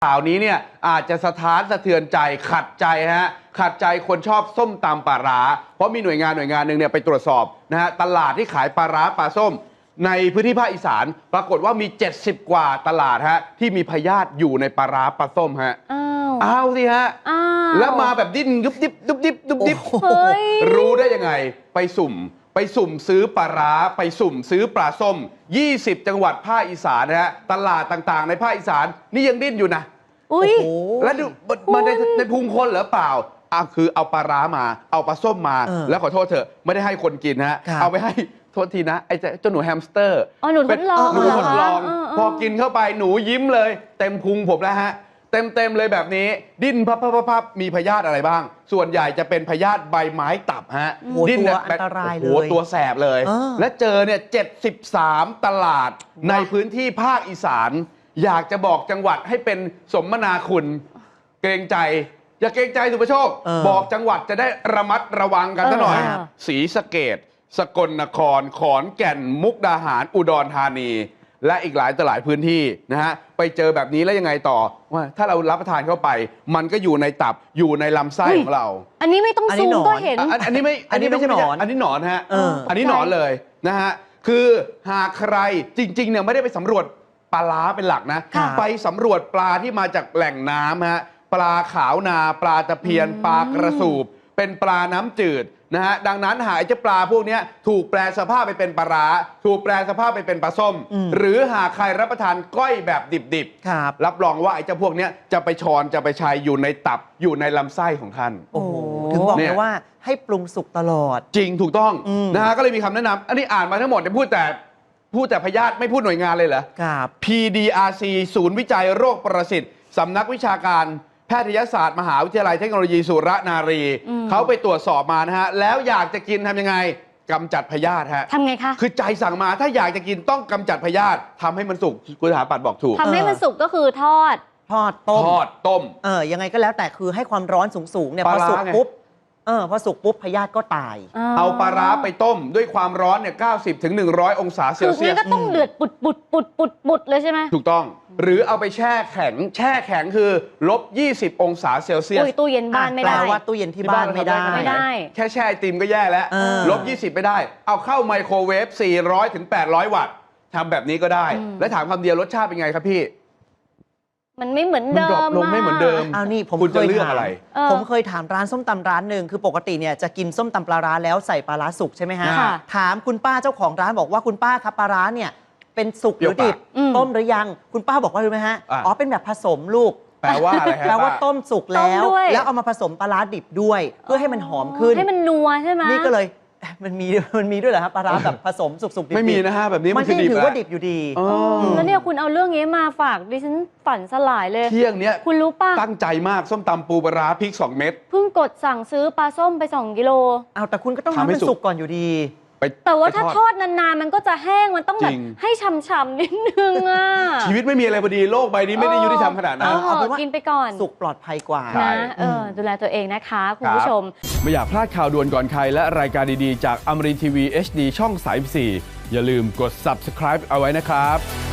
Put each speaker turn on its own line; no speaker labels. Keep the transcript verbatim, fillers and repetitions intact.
ข่าวนี้เนี่ยอาจจะสะท้านสะเทือนใจขัดใจฮะขัดใจคนชอบส้มตำปลาร้าเพราะมีหน่วยงานหน่วยงานหนึ่งเนี่ยไปตรวจสอบนะฮะตลาดที่ขายปลาร้าปลาส้มในพื้นที่ภาคอีสานปรากฏว่ามีเจ็ดสิบกว่าตลาดฮะที่มีพยาธิอยู่ในปลาร้าปลาส้มฮะอ้าวอ้าวสิฮะอ้าวแล้วมาแบบดิ้นยุบดิบยุบดิบยุบดิบรู้ได้ยังไงไปสุ่มไปสุ่มซื้อปลาร้าไปสุ่มซื้อปลาส้มยี่สิบจังหวัดภาคอีสานนะฮะตลาดต่างๆในภาคอีสานนี่ยังดิ้นอยู่นะอุ้ยแล้วดูมันในในพุงคนหรือเปล่าอ่ะคือเอาปลาร้ามาเอาปลาส้มมาแล้วขอโทษเถอะไม่ได้ให้คนกินฮะเอาไปให้โทษทีนะไอ้เจ้าหนูแฮมสเตอร์
อ๋อหนูทดลอง
หนูทดลองพอกินเข้าไปหนูยิ้มเลยเต็มพุงผมแล้วฮะเต็มเต็มเลยแบบนี้ดิ้นพับพับพับมีพยาธิอะไรบ้างส่วนใหญ่จะเป็นพยาธิใบไม้ตับฮะ
ดิ้นตัวอันตรายเลย
โอ้โหตัวแสบเลยและเจอเนี่ยเจ็ดสิบสามตลาดในพื้นที่ภาคอีสานอยากจะบอกจังหวัดให้เป็นสมนาคุณเกรงใจอย่าเกรงใจสุภโชคบอกจังหวัดจะได้ระมัดระวังกันซะหน่อยศรีสะเกษสกลนครขอนแก่นมุกดาหารอุดรธานีและอีกหลายต่อหลายพื้นที่นะฮะไปเจอแบบนี้แล้วยังไงต่อว่าถ้าเรารับประทานเข้าไปมันก็อยู่ในตับอยู่ในลำไส้ของเรา
อันนี้ไม่ต้องซูมก็เห็น
อันนี้ไม่อันนี้ไม่ใช่หนอนอันนี้หนอนฮะอันนี้หนอนเลยนะฮะคือหากใครจริงๆเนี่ยไม่ได้ไปสำรวจปลาล้าเป็นหลักนะไปสำรวจปลาที่มาจากแหล่งน้ำฮะปลาขาวนาปลาตะเพียนปลากระสูบเป็นปลาน้ำจืดนะฮะดังนั้นหากเจ้าปลาพวกนี้ถูกแปลสภาพไปเป็นปลาร้าถูกแปลสภาพไปเป็นปลาส้มหรือหากใครรับประทานก้อยแบบดิบๆรับรองว่าไอ้เจ้าพวกนี้จะไปชอนจะไปชัยอยู่ในตับอยู่ในลำไส้ของท่าน
โอ้โหถึงบอกเลยว่าให้ปรุงสุกตลอด
จริงถูกต้องนะฮะก็เลยมีคำแนะนำอันนี้อ่านมาทั้งหมดจะพูดแต่พูดแต่พยาธิไม่พูดหน่วยงานเลยเหรอ
ครับ
พี ดี อาร์ ซี ศูนย์วิจัยโรคประสิทธิ์สำนักวิชาการแพทยศาสตร์มหาวิทยาลัยเทคโนโลยีสุรนารีเขาไปตรวจสอบมานะฮะแล้วอยากจะกินทำยังไงกำจัดพยาธิฮะ
ทำไงคะ
คือใจสั่งมาถ้าอยากจะกินต้องกำจัดพยาธิทำให้มันสุกคุณสถาปัตย์บอกถูก
ทำให้มันสุกก็คือทอด
ทอดต้ม
ทอดต้ม
เออยังไงก็แล้วแต่คือให้ความร้อนสูงๆเนี่ยพอสุกปุ๊บเออพอสุกปุ๊บพยาธิก็ตาย
เอาปลาร้าไปต้มด้วยความร้อนเนี่ยเก้าสิบถึงหนึ่งร้อยองศาเซลเซียส
คือก็ต้องเดือดปุดปุดปุดปุดปุดเลยใช่ไหม
ถูกต้องหรือเอาไปแช่แข็งแช่แข็งคือลบยี่สิบองศาเซลเซียส
ตู้เย็นบ้านไม่ได้
แปลว่าตู้เย็นที่บ้านไม่ได้
ไม่ได้
แค่แช่ไอติมก็แย่แล้วลบยี่สิบไม่ได้เอาเข้าไมโครเวฟสี่ร้อยถึงแปดร้อยวัตต์ทำแบบนี้ก็ได้และถามคำเดียวรสชาติเป็นไงครับพี่
มันไม่เหมือนเดิม
ลงไม่เหมือนเดิม
เอานี่ผม
เคยถามอะไร
ผมเคยถามร้านส้มตำร้านหนึ่งคือปกติเนี่ยจะกินส้มตำปลาร้าแล้วใส่ปลาร้าสุกใช่ไหมฮะถามคุณป้าเจ้าของร้านบอกว่าคุณป้าครับปลาร้าเนี่ยเป็นสุกหรือดิบต้มหรือยังคุณป้าบอกว่ารู้ไหมฮะอ๋อเป็นแบบผสมลูก
แปลว่าอะไรฮะ
แปลว่าต้มสุกแล้วแล้วเอามาผสมปลาร้าดิบด้วยเพื่อให้มันหอมขึ้น
ให้มันนัวใช่ไหม
นี่ก็เลยมันมีมันมีด้วยเหรอครับปลาร้าแบบผสมสุกๆดิบ
ไม่มีนะฮะแบบนี้
มันคือถือว่าดิบอยู่ดี
แล้วเนี่ยคุณเอาเรื่องนี้มาฝากดิฉันฝันสลายเลย
เที่ยงเนี้ย
คุณรู้ป่ะ
ตั้งใจมากส้มตำปูปลาร้าพริกสองเม็ด
เพิ่งกดสั่งซื้อปลาส้มไปสองกิโล
เอาแต่คุณก็ต้องทำให้สุกก่อนอยู่ดี
แต่ว่าถ้าทอดนานๆมันก็จะแห้งมันต้องแบบให้ฉ่ำๆนิดนึงอ่ะ
ชีวิตไม่มีอะไรพอดีโลกใบนี้ไม่ได้ยุติธรรมขนาดนั้น
เอาไปกินไปก่อน
สุกปลอดภัยกว่า
นะเออดูแลตัวเองนะคะคุณผู้ชม
ไม่อยากพลาดข่าวด่วนก่อนใครและรายการดีๆจากอมรินทร์ทีวี เอช ดี ช่องสามสิบสี่อย่าลืมกด ซับสไครบ์ เอาไว้นะครับ